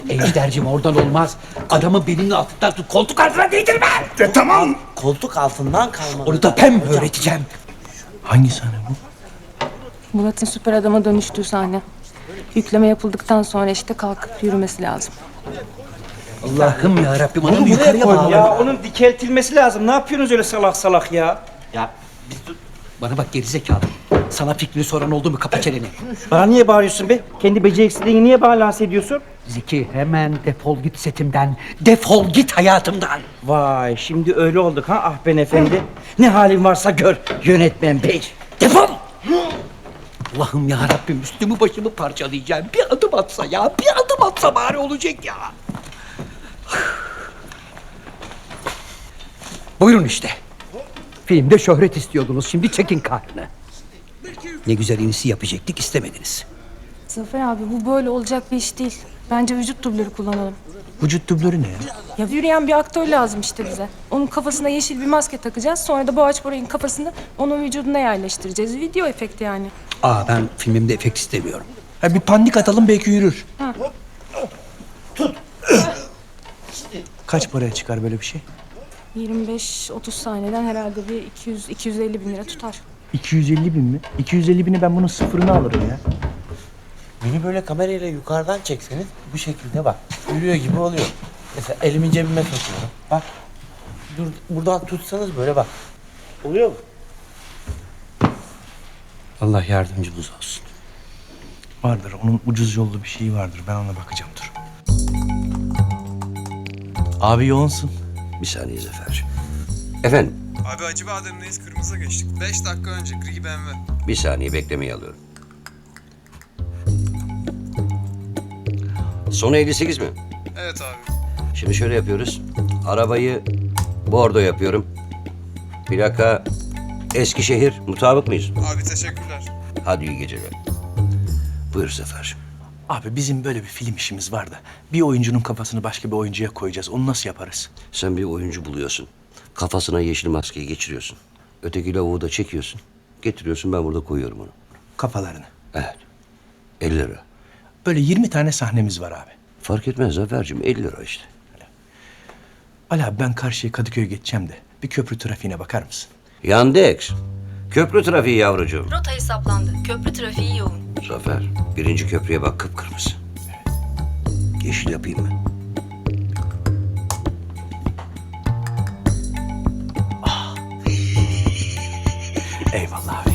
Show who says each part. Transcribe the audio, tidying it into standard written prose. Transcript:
Speaker 1: Ejder'cim oradan olmaz. Adamın belinin altından tut. Koltuk altına değdirme.
Speaker 2: Tamam.
Speaker 3: Koltuk altından kalmalı.
Speaker 1: Onu da ben öğreteceğim.
Speaker 2: Hangi sahne bu?
Speaker 4: Murat'ın süper adama dönüştüğü sahne. Yükleme yapıldıktan sonra işte kalkıp yürümesi lazım.
Speaker 1: Allah'ım ya Rabbim adamı yukarıya bağla.
Speaker 5: Ya onun dikeltilmesi lazım. Ne yapıyorsunuz öyle salak salak ya?
Speaker 3: Ya
Speaker 1: Bana bak gerizekalı. Sana fikrini soran oldu mu kapa çeneni.
Speaker 5: Bana niye bağırıyorsun be? Kendi beceriksizliğini niye bana lanse ediyorsun?
Speaker 1: Zeki hemen defol git setimden. Defol git hayatımdan.
Speaker 5: Vay şimdi öyle olduk ha ah ben efendi. Ne halin varsa gör yönetmen bey.
Speaker 1: Defol! Allah'ım ya Rabbim üstümü başımı parçalayacağım. Bir adım atsa ya, bir adım atsa bari olacak ya. Buyurun işte. Filmde şöhret istiyordunuz, şimdi çekin karnını. Ne güzel inisi yapacaktık, istemediniz.
Speaker 4: Zafer abi bu böyle olacak bir iş değil. Bence vücut dublörü kullanalım.
Speaker 2: Vücut dublörü ne ya?
Speaker 4: Ya yürüyen bir aktör lazım işte bize. Onun kafasına yeşil bir maske takacağız. Sonra da Boğaç Boray'ın kafasını onun vücuduna yerleştireceğiz. Video efekti yani.
Speaker 1: Ben filmimde efekt istemiyorum.
Speaker 2: Ha, bir pandik atalım belki yürür.
Speaker 4: Ha.
Speaker 2: Kaç paraya çıkar böyle bir şey?
Speaker 4: 25-30 saniyeden herhalde bir 200-250 bin lira tutar.
Speaker 2: 250 bin mi? 250 bini ben bunun sıfırını alırım ya.
Speaker 3: beni böyle kamerayla yukarıdan çekseniz bu şekilde bak. Yürüyor gibi oluyor. Mesela elimi cebime sokuyorum. Bak. Dur, buradan tutsanız böyle bak. Oluyor mu?
Speaker 1: Allah yardımcımız olsun.
Speaker 2: Vardır onun ucuz yollu bir şeyi vardır. Ben ona bakacağım dur. Abi yoğunsun.
Speaker 6: Bir saniye Zafer'cim. Efendim,
Speaker 7: Abi Acıbadem'deyiz, kırmızı geçtik. 5 dakika önce gri BMW.
Speaker 6: bir saniye beklemeyi alıyorum. Sonu 58 mi?
Speaker 7: Evet abi.
Speaker 6: Şimdi şöyle yapıyoruz. Arabayı bordo yapıyorum. Plaka Eskişehir. Mutabık mıyız?
Speaker 7: Abi teşekkürler.
Speaker 6: Hadi iyi geceler. Buyur Zafer'cim.
Speaker 2: Abi bizim böyle bir film işimiz var da bir oyuncunun kafasını başka bir oyuncuya koyacağız. Onu nasıl yaparız?
Speaker 6: Sen bir oyuncu buluyorsun. Kafasına yeşil maskeyi geçiriyorsun. Öteki lavuğu da çekiyorsun. Getiriyorsun, ben burada koyuyorum onu.
Speaker 2: Kafalarını.
Speaker 6: Evet. 50 lira.
Speaker 2: Böyle 20 tane sahnemiz var abi.
Speaker 6: Fark etmez Zafer'cim, 50 lira işte.
Speaker 2: Ali abi ben karşıya Kadıköy'e geçeceğim de bir köprü trafiğine bakar mısın?
Speaker 6: Yandex. Köprü trafiği yavrucuğum.
Speaker 4: Rota hesaplandı. Köprü trafiği yoğun.
Speaker 6: Zafer, birinci köprüye bak, kıpkırmızı. Yeşil yapayım mı?
Speaker 2: Eyvallah abi.